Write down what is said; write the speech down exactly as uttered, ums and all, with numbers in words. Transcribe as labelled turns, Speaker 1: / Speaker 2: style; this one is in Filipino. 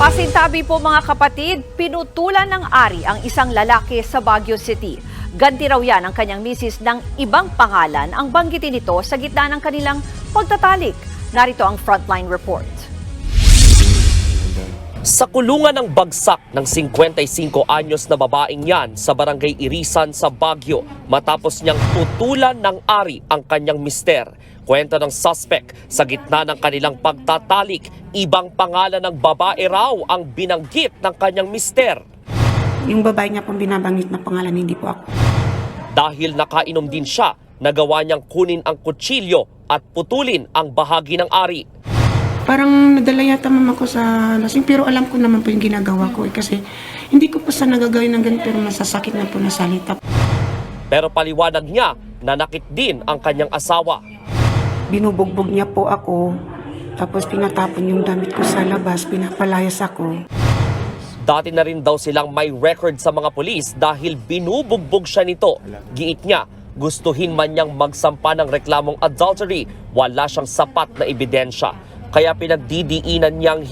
Speaker 1: Pasintabi po mga kapatid, pinutulan ng ari ang isang lalaki sa Baguio City. Ganti raw yan ang kanyang misis ng ibang pangalan ang banggitin nito sa gitna ng kanilang pagtatalik. Narito ang frontline report.
Speaker 2: Sa kulungan ng bagsak ng fifty-five anyos na babaeng yan sa barangay Irisan sa Baguio matapos niyang tutulan ng ari ang kanyang mister. Kwento ng suspect, sa gitna ng kanilang pagtatalik, ibang pangalan ng babae raw ang binanggit ng kanyang mister.
Speaker 3: Yung babae niya pong binabanggit na pangalan, hindi po ako.
Speaker 2: Dahil nakainom din siya, nagawa niyang kunin ang kutsilyo at putulin ang bahagi ng ari.
Speaker 3: Parang nadala yata mama ko sa lasing, pero alam ko naman po yung ginagawa ko eh, kasi hindi ko po sa nagagawin ng ganito, pero masasakit na po na salita.
Speaker 2: Pero paliwanag niya, nanakit din ang kanyang asawa.
Speaker 3: Binubugbog niya po ako, tapos pinatapon yung damit ko sa labas, pinapalayas ako.
Speaker 2: Dati na rin daw silang may record sa mga pulis dahil binubugbog siya nito. Giit niya, gustuhin man niyang magsampa ng reklamong adultery, wala siyang sapat na ebidensya. Kaya pinagdidiinan niyang